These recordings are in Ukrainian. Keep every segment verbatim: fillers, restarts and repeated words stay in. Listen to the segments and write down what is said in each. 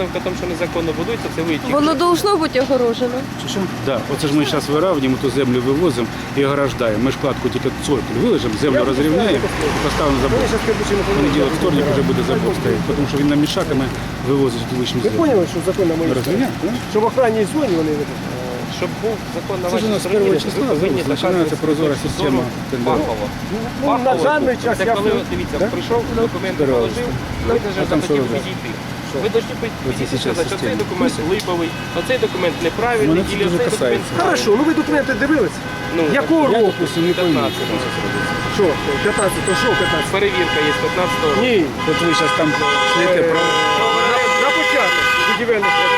висновка в тому, що незаконно будується, це ви тільки. Воно должно бути огорожено. Що? Да. Оце ж ми зараз виравнюємо, ту землю вивозимо і ограждаємо. Ми ж кладку тільки цоколь вилежимо, землю розрівняємо, поставимо забор. Понеділок, вторник вже буде забор стояти, тому що він нам мішаками вивозить лишню Ви землю. поняли, що закон на моїй стороні? Розумієте? Що в охранній зоні вони не Щоб був закон на Це ж у вашій нас з стороні, першого ви числа повинні починається доказувати прозора з точки система зору тендерів. фахово. Ну, на даний час Це я... коли, дивіться, Да? прийшов, документи Здорово. положив, ви А вже там що захотів робити? підійти. Ви повинні підійти і зараз сказати, що цей система. документ липовий, оцей документ неправильний, Мене це і дуже цей документ касається. правильний. Хорошо, ну ви документи дивились? Ну, Якого Я, року? допустим, не повинен. п'ятнадцятого. Що? п'ятнадцять, то що п'ятнадцять? Перевірка є п'ятнадцятого року. Ні. От ви зараз там стоїте про... На, на початок будівельних робіт.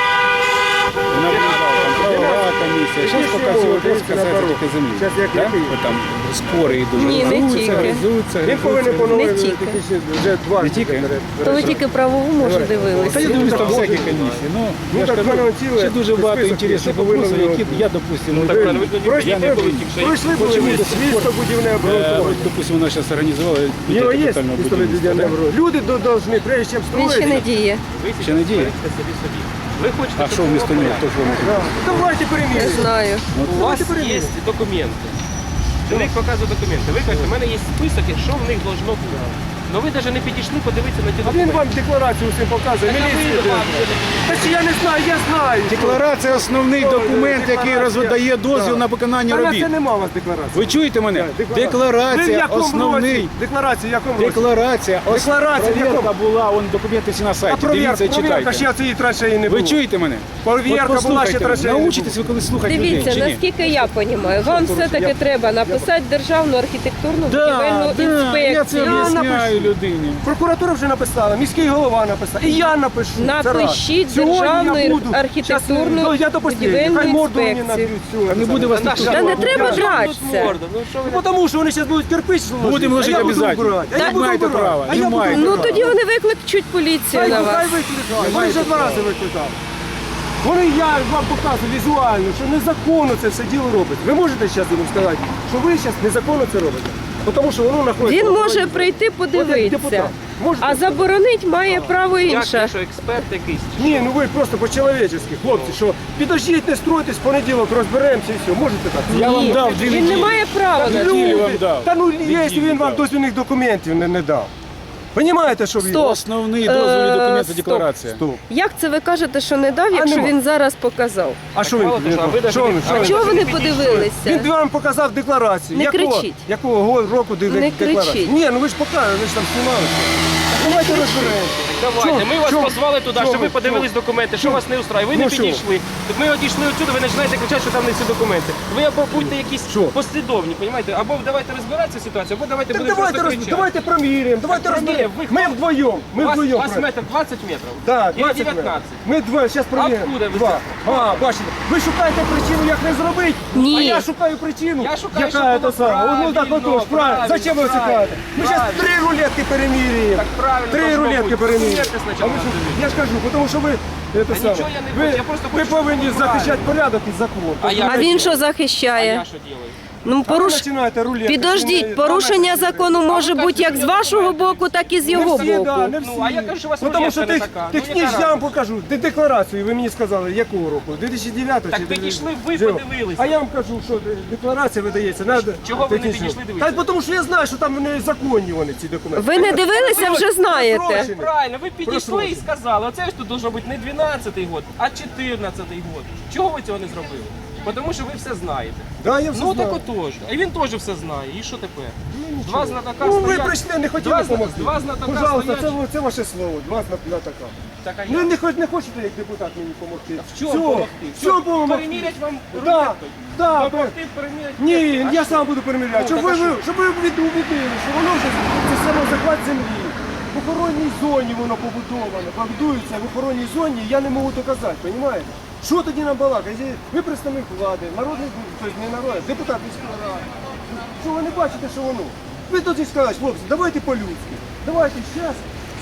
Вона виїжджала, там правова комісія. Зараз поки всі вопроси касаються тільки землі. Зараз як Да? який? От там спори йдуть. Ні, не Гризуються, тільки. гризуються, Він повинен гризуються. поновити Не тільки. технічні, вже два Не тільки? То ви тільки правову, може, Та я дивилися. дивлюсь там Ну, всякі так, комісії. Ну, Ну, я ж так кажу, в мене ціле ще дуже багато список, інтересних що повинно вопросів, які бути. я, допустим, не Так, правильно, ви дивлюсь. тоді Пройшли, я не пройшли, були тільки що. пройшли були Почему до сих місто пор? будівне Е, обґрунтування. от, допустим, вона зараз організувала У нього є капітального пістолет будівництва, будівне да? обґрунтування. Люди до- должны, прежде чим Він ще не строїти. діє. Ви Ще не діє? берете собі собі. Ви хочете, А щоб що було вмісто нього? порядок. Хто ж вам? Да. Давайте Не переміряємо. знаю. У вас є документи. Чоловік показує документи. Ви кажете, у мене є список, що в них должно бути. Ну ви навіть не підійшли подивитися на ті А він документи. вам декларацію всім показує. Так, а ви Міліція. вам вже не Та чи я не знаю, я знаю. Декларація – основний документ, який роздає дозвіл на виконання Та на робіт. це нема у вас декларації. Ви чуєте мене? Ви в Декларація якому основний. році? Декларація в якому році? Декларація. Ос- Декларація в Провірка якому? була, вон документи всі на А сайті. провірка, Дивіться, провірка, ще читайте. цієї траси і не було. Ви чуєте мене? Провірка От була, ще послухайте, траси не научитесь ви було. коли слухати людей, Дивіться, чи ні? наскільки я розумію, вам все-таки треба написати державну архітектурну будівельну Да, да, я це інспекцію. об'ясняю напишу. людині. Прокуратура вже написала, міський голова написав. І я напишу. Це раз. Напишіть Сьогодні державну я буду. архітектурну Щас, ну, я допустим, будівельну хай морду мені інспекцію. наб'ють. всю, А не це буде саме. вас ніхто. Та не треба Що вам тут дратися. морда? Ну що ви Ну, тому що вони зараз будуть кирпич ложити. Будемо ложити а я буду обов'язково. вбирати, а я Не буду маєте вбирати, права, а не я буду маєте Ну вбирати. тоді вони викличуть поліцію Хай, на хай вас. викликають. Вони вже два рази викликали. Вони, я вам показую візуально, що незаконно це все діло робить. Ви можете зараз їм сказати, що ви зараз незаконно це робите? Бо Тому що воно знаходиться... Він в може охороні. прийти От як подивитися, депутат. Можете? а заборонить має право як, інше. якщо експерт якийсь? Ні, ну ви просто по-чоловічески, хлопці, що підождіть, не стройтесь, в понеділок розберемося і все. Можете так? Я вам Ні, дав дві він не неділі. має права на Неділю Люди, вам дав. Та ну, Неділю якщо він вам дав. дозвільних документів не, не дав. Понімаєте, що він? Стоп. Основний дозвільний Е, документ – це стоп. декларація. Стоп. Як це ви кажете, що не дав, якщо нема. він зараз показав? А що він? мало того, а ви Що даже він? не- Що а він? Чого ви не підійшли. Він подивилися? вам показав декларацію. Не якого, кричіть. Якого го- року де- Не декларацію? кричіть. Ні, ну ви ж показали, ви ж там знімали. Давайте розберемося. Давайте, Чо? ми вас Чо? позвали туди, Чо щоб ви ви? подивились Чо? документи, що Чо? вас не устраює. Ви Ну не що? підійшли. Тут ми одійшли отсюди, ви починаєте кричати, що там не всі документи. Ви або будьте якісь Що? послідовні, розумієте? Або давайте розбиратися ситуацію, або давайте Так будемо давайте, просто роз... кричати. давайте проміряємо, давайте Так розберемо. проміряємо. Ви Ми вдвоєм, ми У вас, у вдвоєм. вас пройдемо. метр двадцять метрів? Да, Или двадцять дев'ятнадцять? метрів. Ми два, зараз перевіримо. Откуда ви Два. це? А, бачите, ви шукаєте причину, як не зробити, Ні. а я шукаю причину, Я шукаю, яка щоб це було саме. Ну так правильно, отож, правильно. правильно, Зачем ви це правильно, кажете? Ми зараз правильно. три рулетки переміряємо. Так правильно Три должно рулетки бути. переміряємо. Перевірте спочатку А ви що? перевірте. Я ж кажу, тому що ви це Та саме. нічого я не ви, хочу, я просто ви хочу, щоб повинні було захищати правильно. порядок і закон. А я- А він що А захищає? я що делаю? Ну, А ви поруш... починаєте рулетки. Підождіть, порушення закону може бути як з вашого боку, так і з його Не всі, да, боку. не всі. Ну, а я кажу, що у вас Ну, тому що рулетка не тех- така. Ну, технічно яка я вам разниця? покажу. Де декларацію, ви мені сказали, якого року? дві тисячі дев'ятого Так чи підійшли ви, дев'ятого? подивилися. А я вам кажу, що декларація видається. Надо Чого ви не технічно. підійшли дивитися? Та тому що я знаю, що там незаконні вони, ці документи. Ви не дивилися, вже знаєте. Просрочені. Правильно, ви підійшли і Просрочено. сказали, оце ж тут должно бути не дванадцятий год, а чотирнадцятий год. Чого ви цього не зробили? Тому що ви все знаєте. Да, я все Ну знаю. так отож. І він теж все знає. І що тепер? Два знатока Ну ви стоять. прийшли, не хотіли Два, допомогти. два знатока Пожалуйста, це, стоять. це ваше слово, два знатока. Так, а Ну я? не, хоч- не хочете як депутат мені допомогти. В чому допомогти? Все допомогти. Перемірять вам Да, рулеткою? да, Допомогти перемірять? Ні, рулеткою? А я що? сам буду переміряти. Ну, Щоб так ви, а що? ви- щоб ви убедили, що воно вже це самозахват землі. В охоронній зоні воно побудовано, будується в охоронній зоні, я не можу доказати, розумієте? Що тоді нам балакати? Ви представник влади, народний, тобто не народ, депутат міської ради. Що ви не бачите, що воно? Ви тоді скажете, хлопці, давайте по-людськи. Давайте зараз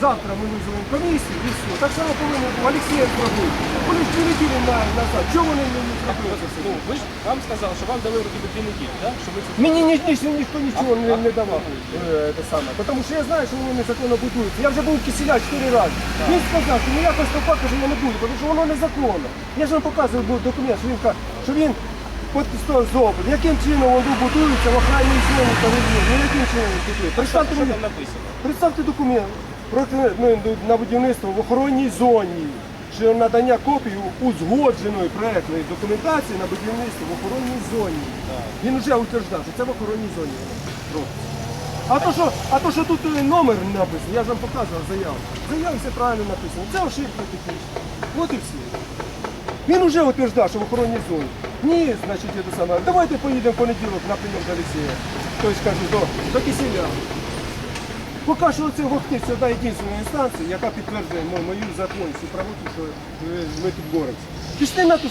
Завтра ми визовемо комісію і все. Так само повинен був Олексій зробити. Вони ж дві неділі на- назад. Чого вони не не зробили це все? Ну, ви ж вам сказали, що вам дали вроді би дві неділі, да? Що ви це Мені ні, ні, ні, ніхто нічого не, не давав. Е, те саме. Тому що я знаю, що вони незаконно будуються. Я вже був в Кисіля чотири рази. Він сказав, що ніякого стопа, каже, я не буду, тому що воно незаконно. Я ж вам показував був документ, що він, ка- що він підписав зопит. Яким чином воно будується в охранній зоні та рівні? Ну яким чином він будує? Представте що мені, там написано? представте документ про, ну, на будівництво в охоронній зоні. Що надання копії узгодженої проектної документації на будівництво в охоронній зоні. Він вже утверждав, що це в охоронній зоні воно робиться. А то, що, а то, що тут е, номер написано, я ж вам показував заяву. В заяві все правильно написано. Це ошибка технічна. От і все. Він вже утверждав, що в охоронній зоні. Ні, значить, це саме. Давайте поїдемо в понеділок на прийом до Олексія. Тобто, кажу, до, до Кисіля. Поки що це Вохтиць одна єдина інстанція, яка підтверджує ну, мою законність і правоту, що е, ми тут боремося. Пішли на ту